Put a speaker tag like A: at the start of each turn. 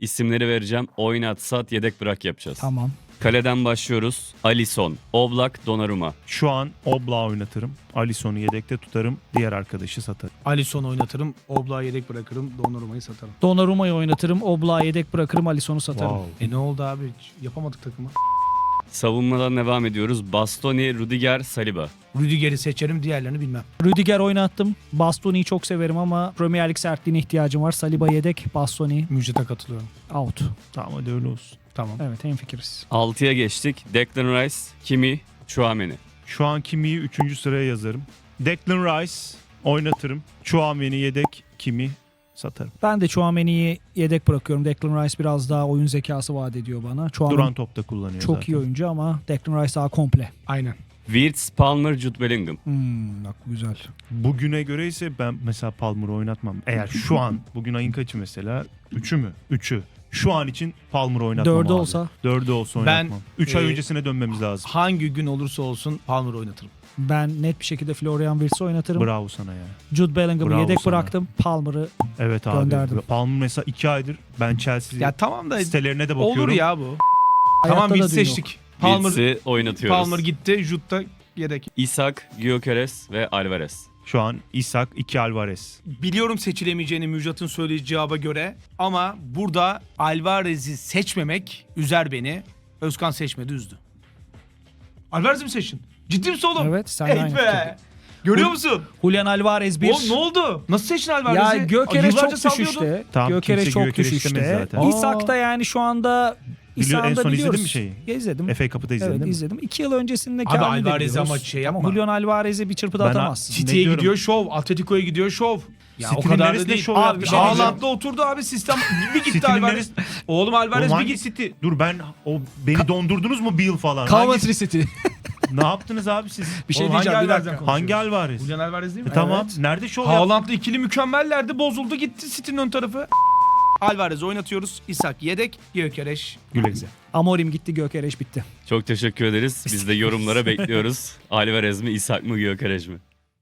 A: İsimleri vereceğim. Oynat, sat, yedek bırak yapacağız.
B: Tamam.
A: Kaleden başlıyoruz. Alisson, Oblak, Donnarumma.
C: Şu an Oblak'ı oynatırım. Alisson'u yedekte tutarım. Diğer arkadaşı satarım.
D: Alisson'u oynatırım. Oblak'ı yedek bırakırım. Donnarumma'yı satarım.
B: Donnarumma'yı oynatırım. Oblak'ı yedek bırakırım. Alisson'u satarım.
C: Wow.
D: Ne oldu abi? Hiç yapamadık takımı.
A: Savunmadan devam ediyoruz. Bastoni, Rudiger, Saliba.
D: Rüdiger'i seçerim. Diğerlerini bilmem.
B: Rüdiger oynattım. Bastoni'yi çok severim ama Premier Lig sertliğine ihtiyacım var. Saliba yedek. Bastoni
D: Müjdat'a katılıyorum.
B: out.
C: Tamam hadi öyle olsun.
D: Tamam.
B: Evet, hemfikiriz.
A: 6'ya geçtik. Declan Rice, Kimi, Chouameni.
C: Şu an Kimi'yi 3. sıraya yazarım. Declan Rice oynatırım. Chouameni yedek. Kimi satarım.
B: Ben de Chouameni'yi yedek bırakıyorum. Declan Rice biraz daha oyun zekası vaat ediyor bana. Chouameni
C: Duran topta kullanıyor
B: çok
C: zaten.
B: iyi oyuncu ama Declan Rice daha komple.
D: Aynen.
A: Wirtz, Palmer, Jude Bellingham.
B: Bak bu güzel.
C: Bugüne göre ise ben mesela Palmer'ı oynatmam. Eğer şu an bugün ayın kaçı mesela? 3'ü mü? 3'ü. Şu an için Palmer'ı oynatmam
B: 4'ü
C: abi.
B: olsa
C: 4'ü olsa
D: Ben,
C: oynatmam. 3 ay
D: e,
C: öncesine dönmemiz lazım.
D: Hangi gün olursa olsun Palmer'ı oynatırım.
B: ben net bir şekilde Florian Wirtz'i oynatırım.
C: Bravo sana ya.
B: Jude Bellingham'ı
C: Bravo
B: yedek
C: sana.
B: bıraktım. Palmer'ı
C: Evet abi.
B: Gönderdim.
C: Palmer mesela 2 aydır ben Chelsea
D: Ya tamam da
C: sitelerine de bakıyorum.
D: olur ya bu. Tamam
B: hayatta da
D: Wirtz
B: dün yok.
D: seçtik. Palmer,
A: Wirtz'i oynatıyoruz.
D: Palmer gitti. Jut'ta yedek.
A: Isak, Gyökeres ve Alvarez.
C: Şu an Isak, 2 Alvarez.
D: Biliyorum seçilemeyeceğini Müjdat'ın söylediği cevaba göre ama burada Alvarez'i seçmemek üzer beni. Özkan seçmedi, üzdü. Alvarez'i mi seçtin? Ciddi misin oğlum?
B: Evet, sen
D: Evet
B: aynı
D: be.
B: fikir.
D: Görüyor musun?
B: Julian Alvarez 1.
D: Oğlum ne oldu? Nasıl seçtin
B: Ya
D: Alvarez'i?
B: Gökeres
D: Yıllarca
B: çok
D: sallıyordun.
B: düşüşte.
C: Tamam,
B: Gökeres
C: kimse
B: çok
C: Gyökeres istemez
B: düşüşte.
C: zaten.
B: İsak da yani şu anda
C: En
B: İsa'nı da
C: son
B: biliyoruz.
C: izledin mi şeyi?
B: İzledim.
C: FA Cup'ı da izledin
B: Evet
C: değil mi?
B: izledim. 2 yıl öncesindeki
D: Abi
B: halini de
D: Alvarez'i
B: biliyoruz.
D: ama şey
B: Ama
D: yapma.
B: Julian Alvarez'i bir çırpıda
C: Ben-
B: atamazsın.
C: Ne
D: City'ye
C: diyorum?
D: gidiyor şov. Atletico'ya gidiyor şov. Ya o
C: City'nin
D: kadar da
C: neresinde
D: değil.
C: şov
D: Abi
C: yaptı?
D: bir
C: Şey diyeceğim.
D: Haaland'da oturdu abi sistem. Bir gitti
C: City'nin
D: Alvarez. Oğlum Alvarez
C: Oğlum
D: bir
C: hangi
D: gitti.
C: City? Dur ben beni dondurdunuz mu bir yıl falan?
B: Coventry City.
C: Ne yaptınız abi siz?
B: Bir şey
D: Oğlum hangi
B: diyeceğim bir
D: Alvarez'den
B: dakika.
D: konuşuyoruz?
C: Hangi Alvarez?
D: Julian Alvarez değil mi?
C: Tamam.
B: Evet.
C: Nerede şov yaptı?
D: Haaland'la ikili mükemmellerdi. Bozuldu gitti City'nin ön tarafı. Alvarez'i oynatıyoruz. Isak yedek. Gyökeres.
C: Güle güle.
B: Amorim gitti, Gökeres bitti.
A: Çok teşekkür ederiz. Biz de yorumlara bekliyoruz. Alvarez mi, Isak mı, Gyökeres mi?